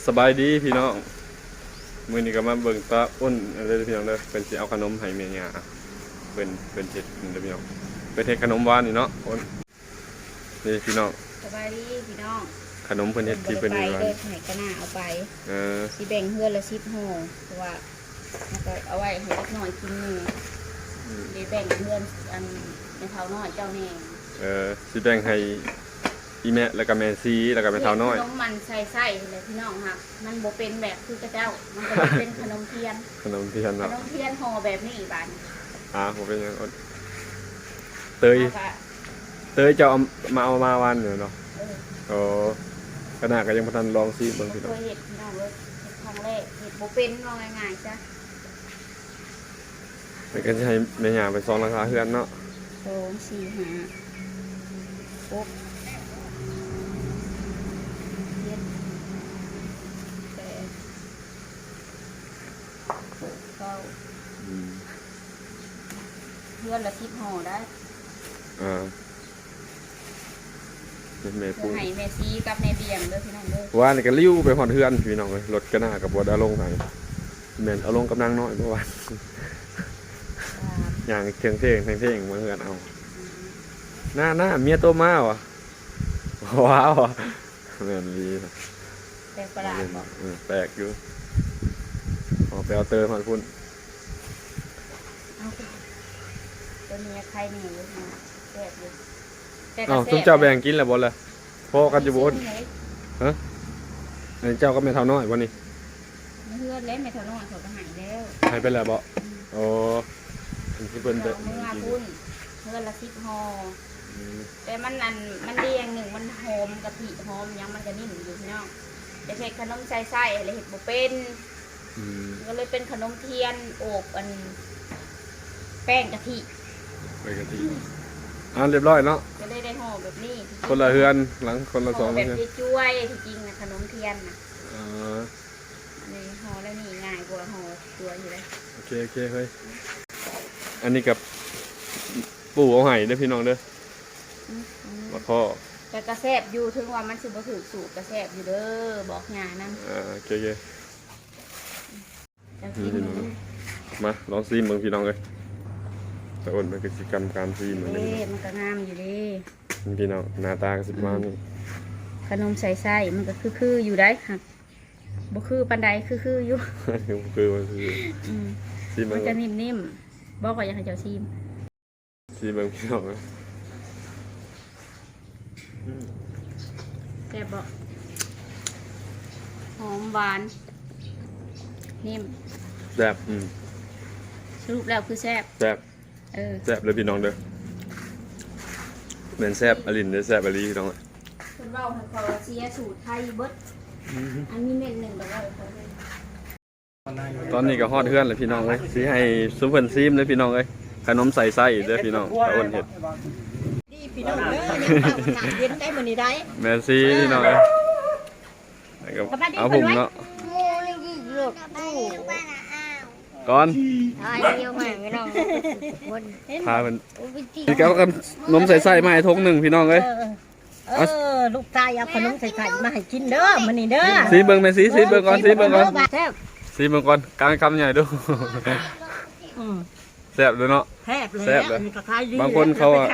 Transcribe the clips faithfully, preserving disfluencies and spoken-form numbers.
สบายดีพี่น้องมื้อนี้ก็มาเบิ่งตาอ้นเด้อพี่น้องเด้อเพิ่นสิเอาขนมให้แม่ย่าเพิ่นเพิ่นเฮ็ดเด้อพี่น้องเพิ่นเฮ็ดขนมหวานนี่เนาะอ้นนี่พี่น้องสบายดีพี่น้องขนมเพิ่นเฮ็ดที่เพิ่นเฮ็ดหวานเด้อให้กระหน้าเอาไปเออสิแบ่งเฮือนละสิบห่อเพราะว่ามันก็เอาไว้ให้เล็กน้อยกินมื้อได้แบ่งเฮือนอันในเท่าน้อยเจ้าแน่เออสิแบ่งให้อีแม่แล้วก็แม่ซีแล้วก็แม่เฒ่าน้อยขนมมันใส่ๆเลยพี่น้องค่ะมันบ่เป็นแบบคือกระเจ้ามันก็เป็นขนมเทียนขนมเทียนเนาะขนมเทียนห่อแบบนี้บาดอ่าผมเป็นยังอ้นเตยเตยจะเอามาเอามาวันอยู่เนาะโอ้ขนาดก็ยังบ่ทันลองซิเบิ่งพี่น้องเคยเฮ็ดพี่น้องเอ้ยครั้งแรกเฮ็ดบ่เป็นว่าง่ายๆจ้ะมันก็จะให้แม่ย่าไปซ้อนราคาเฮือนเนาะสอง สี่ ห้า หก เจ็ด แปด เก้าเพื่อนละสิบห่อได้อ่าแม่ปูให้แม่ซีกับแม่เบียงเด้อพี่น้องเด้อว่านี่ก็ลิ้วไปหอดเฮือนพี่น้องเลยรถก็น่ากับบ่ได้ลงให้แม่นเอาลงกำลังน้อยเมื่อวานอย่างเทิงเท่งเทิงเท่งมาเฮือนเอาหน้าหน้าเมียโตมาวะว้าวแม่นดีแปลกประหลาดบอกแปลกอยู่อ๋อไปเอาเตอร์มาพุ่นเอาตัวนี้ใครนี่อยู่นะแปลกอยู่อ๋อตุ้มเจ้าแบ่งกินแล้วบ่ล่ะพอกันอยู่บ่ฮะอันนี้เจ้าก็ไม่เท่าน้อยบ่นี่เพื่อนเล่นไม่เท่าน้อยเขาก็หายแล้วหายไปแล้วบ่โอ้ที่เพิ่นเด้อเมื่อพุ่นเพื่อนละสิบห่อแต่มันนั่นมันเรียงหนึ่งมันหอมกะทิหอมยังมันก็นิ่มอยู่พี่น้องจะเฮ็ดขนมใส่ไส้อะไรเห็ดบ่เป็นก็เลยเป็นขนมเทียนโอบอันแป้งกะทิแป้งกะทิอ่าเรียบร้อยเนาะก็ได้ได้ห่อแบบนี้คนละเฮือนหลังคนละสองแบบที่ช่วยที่จริงนะขนมเทียนนะอ๋ออันนี้ห่อแล้วนี่ง่ายกว่าห่อตัวอยู่เลยโอเคโอเคเฮ้ยอันนี้กับปู่เอาไห้เด้อพี่น้องเด้อมาข้อแต่กระแซบอยู่ถึงว่ามันสิบ่ถูกสูตรกระแซบอยู่เด้อบอกงานนั่นอ่าโอเคโอเคมาลองซีมเบิ่งพี่น้องเลยแต่อ้นมันกิจกรรมการซีมเหมือนกันมันก็งามอยู่ดิพี่น้องหน้าตาก็สิมานี่ขนมใส่ไส้มันก็คือๆอยู่ได้ค่ะบ่คือปันใดคือๆอยู่คือมันคือซีมมันจะนิ่มๆบอกว่าอยากให้เจ้าซีมซีมเบิ่งพี่น้องเลยแซ่บบ่หอมหวานนิ่มแซ่บอืมสรุปแล้วคือแซ่บแซ่บเออแซ่บเลยพี่น้องเด้อเหมือนแซ่บอลินเด้อแซ่บอลีพี่น้องคนเว้าให้เขาเสียสูตรไทยเบิดอันนี้เม็ดหนึ่งแบบว่าตอนนี้ก็ฮอดเฮือนเลยพี่น้องเลยสิให้ซุปเพิ่นซีมเลยพี่น้องเลยขนมใส่ไส้เด้อพี่น้องตะอ้นเฮ็ดพี่น้องเด้อเย็นได้มื้อนี้ได้แม่ซีพี่น้องเลยเอาผมเนาะก่อนพาเป็นพี่แก้วกันนมใส่ไส้มาให้ทงหนึ่งพี่น้องเลยเออลูกชายเอาขนมใส่ไข่มาให้กินเด้อมื้อนี้เด้อซีเบิ่งแม่ซีซีเบิ่งก่อนซีเบิ่งก่อนซีเบิ่งก่อนกลางคำใหญ่ดูแซ่บเลยเนาะแซ่บเลยบางคนเขาอ่ะ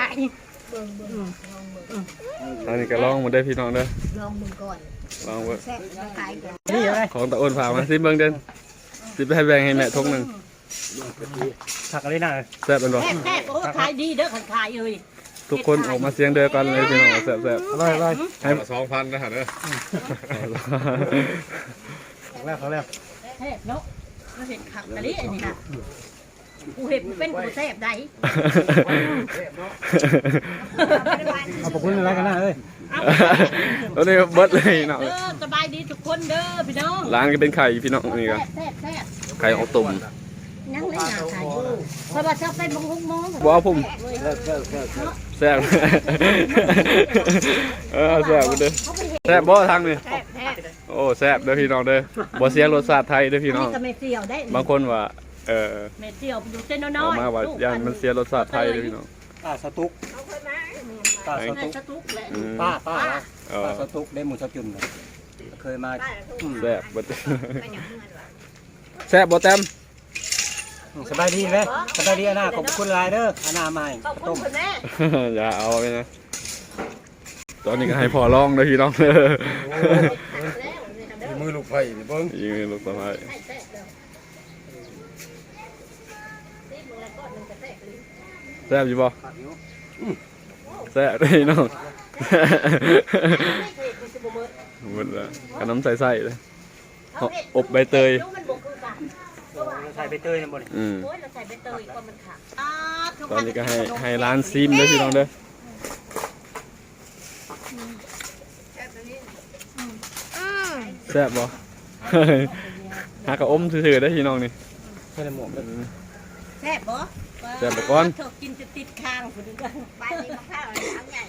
อันนี้ก็ลองมาได้พี่น้องเด้อลองมึงก่อนลองเบิ่งนี่อะไรของตะอ้นพามาซีเบิ่งเด่นซีไปให้แบ่งให้แม่ทงหนึ่งผักอะไรน่ะแซ่บเป็นบ่แซ่บแซ่บโอ้ขายดีเด้อขายเลยทุกคนออกมาเสียงเดียวกันเลยพี่น้องแซ่บแซ่บอร่อยอร่อยให้สองพันนะฮะเด้อแรกเขาแรกแซ่บเนาะเราเห็นขับกะลิอันนี้ค่ะกูเห็นเป็นกูแซ่บได้ขอบคุณอะไรกันนะเอ้ยตอนนี้เบิดเลยเนาะสบายดีทุกคนเด้อพี่น้องร้านก็เป็นไข่พี่น้องนี่ครับไข่ออกตุ่มนั่งเล่นหนาไข่เพราะว่าชอบเป็นมงมงบ่เอาผมแซ่บเออแซ่บเด้อแซ่บบ่ทางนี่โอ้แซ่บเด้อพี่น้องเด้อบ่เสียรสชาติไทยเด้อพี่น้องบางคนว่าเออเม็ดเดียวอยู่เส้นน้อยๆมาว่าย่านมันเสียรสชาติไทยเด้อพี่น้องป้าสตุ๊กป้าสตุ๊กป้าป้าป้าสตุ๊กได้หมูสจุนเลยเคยมาอืมแซ่บบ่แซ่บบ่แต้มสบายดีไหมสบายดีอานาขอบคุณหลายเด้ออานามาให้ขอบคุต้ณมคุณแม่อย่าเอาไปนะตอนนี้ก็ให้พอลองเด้อพี่น้องเด้อมือลูกไผ่นี่เบิ่งยิงลูกสะพ้ายแซ่บอยู่บ่แซ่บเด้อพี่น้องหมดละขนมใส่ๆเลยอบใบเตยใส่ใบเตยนะบ่นี่อืมโอ้ยเราใส่ใบเตยก็มันขาดตอนนี้ก็ให้ให้ร้านซิมเด้อพี่น้องเด้อแซ่บบ่ หากระอมซื่อๆได้อพี่น้องนี่ใส่ในหมวกเลยแซ่บบ่แซ่บบ่ก่อนเธอกินจะติดคางคนนึงกันไปนี่มะพร้าวน้ำใหญ่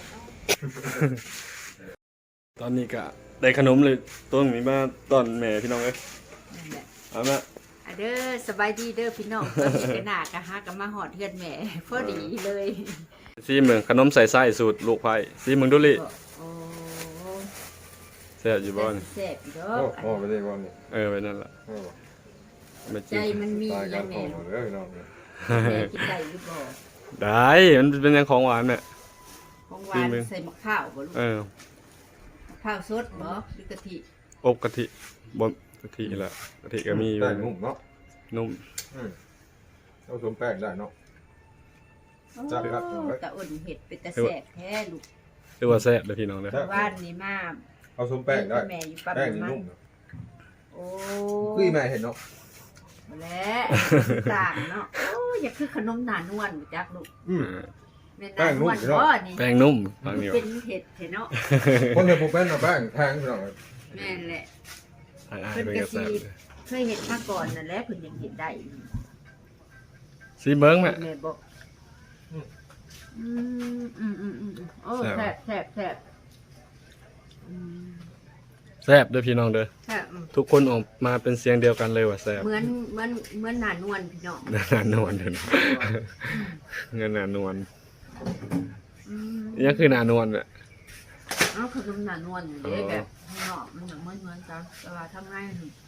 ตอนนี้ก็ได้ขนมเลยต้นนี้มาตอนแม่พี่น้องเอ้ยเอามาอะเด้อสบายดีเด้อพี่น้องตอนนี้ก็น่ากะฮะก็มาหอดเฮือนแม่พอดีเลยซีเมืองขนมใส่ไส้สูตรลูกไผ่ซีเมืองดุลิโอ้แซ่บอยู่บ่นี่แซ่บอยู่ดอโอ้กโหไปได้บ่นี่เออไปนั่นล่ะโอ้ไม่จใจริงมันมีตายอกัยันงโอ้แม่โหเด้อพี่น้องเนี่ยแม่กินได้หรือบ่ได้มันเป็นยังของหวานเนี่ยของหวานจริงไหมใส่มะพร้าวบ่ลูกเออมะพร้าวสดบ่หรือกะทิอบกะทิบ่กะทิแหละกะทิก็มีอยู่ได้นุ่มเนาะนุ่มอืมเอาสวมแป้งได้เนาะโอ้จ้ะครับตะอ่นเห็ดเป็นตะแซ่บแท้ลูกหรือว่าแซ่บเด้อพี่น้องเด้อบ้านนี่มาเอาสวมแป้งได้แม่อยู่ปั๊มแป้งนี่น้ำมันนุ่มเนาะโอ้คือแม่เห็นเนาะมาแล้วต่างเนาะโอ้อยากคือขนมหนานวลบ่จักลูกอืมแม่นานวลบ่นี่แป้งนุ่มบางเหนียวเป็นเห็ดเห็ดเนาะคนเห็นบ่เป็นน่ะแป้งแพงพี่น้องแม่นแหละอ่าๆเป็นกระแซ่บเลยเคยเห็นมาก่อนนั่นแหละเพิ่นยังเห็นได้ซีเบิ้งแม่แม่บอกอืมอืมอืมอืมอืมโอ้แซ่บแซ่บแซ่บอืมแซ่บเด้อพี่น้องเด้อแซ่บอืมทุกคนออกมาเป็นเสียงเดียวกันเลยว่าแซ่บเหมือนเหมือนเหมือนหนานวลพี่น้องนานนวลเด้อเงินนานวลอืมยังคือนานวลอ่ะเอาขนมหนานวลอยู่เด้แบบข้างนอกมันอย่างเหมือนเหมือนกันแต่ว่าทำง่ายหนึ่ง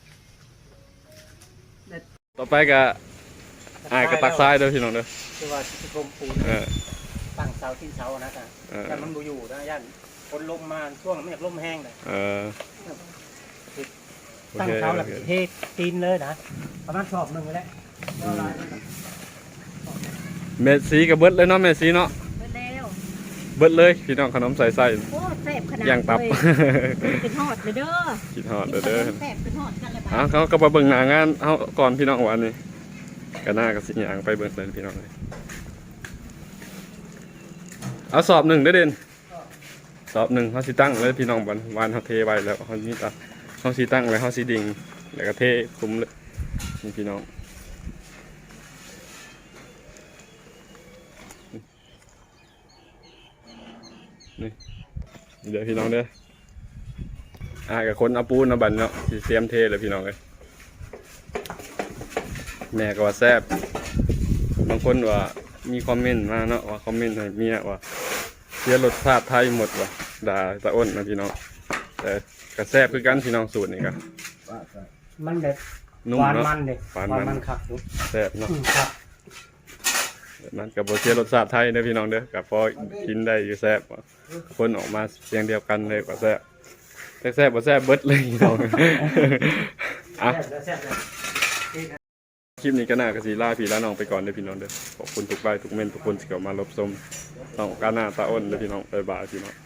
ต่อไปก็อายกระตักซ้ายเด้อพี่น้องเด้อคือว่าสิกรมปูนเออตั้งเสาที่เสานะจ๊ะเออแต่มันบ่อยู่นะย่านฝนลมมาช่วงมันอยากลมแห้งเลยเออตั้งเสาแล้วเทตีนเลยนะประมาณชอบหนึงเลยแหละเอาลายมันก็เมสซี่กับเบิดเลยเนาะเมสซี่เนาะไปแล้วเบิดเลยพี่น้องขนมใส่ไส้โอ้แซ่บขนาดย่างตับเลยเป็นฮอดเลยเด้อคิดฮอดเด้อเด้อแซ่บเป็นฮอดกันเลยอ้าวเขาก็มาเบิ่งหน้างานเฮาก่อนพี่น้องวันนี้ก็น่าก็สิหยังไปเบิ่งเลยพี่น้องเลยเอาสอบหนึ่งเด้อเด่นสอบหนึ่งเฮาสิตั้งเลยพี่น้องวันวันเฮาเทไว้แล้วเฮานี่ตาเฮาสิตั้งไว้เฮาสิดิ่งแล้วก็เทคุมเลยนี่พี่น้องนี่เดี๋ยวพี่น้องเด้ออ่ากับคนเอาปูนเอาบันเนาะสิเตรียมเทเลยพี่น้องเลยแม่ก็ว่าแซ่บบางคนว่ามีคอมเมนต์มาเนาะว่าคอมเมนต์ให้เมียว่าเสียรสชาติไทยหมดว่ะด่าตะอ้นนะพี่น้องแต่ก็แซ่บคือกันพี่น้องสูตรนี่ก็มันแบบนุ่มหวานเนาะมันเด้หวานหวานมัมัน นคักอยู่แซ่บเนาะอืมครับมันกับโบเสียรสชาติไทยเด้อพี่น้องเด้อกับพอกินได้อยู่แซ่บว่ะคนออกมาเสียงเดียวกันเลยว่าแซ่บแต่แซ่บบ่แซ่บเบิดเลยพี่น้องอ่ะแซ่บแล้วแซ่บแล้วคลิปนี้ก็น่ากระสีล่าพี่ล่าน้องไปก่อนเด้อพี่น้องเด้อขอบคุณทุกไลค์ทุกเมนต์ทุกคนที่เข้ามารับชมต้องการหน้าตาอ้นเด้อพี่น้องบ๊ายบายพี่น้อง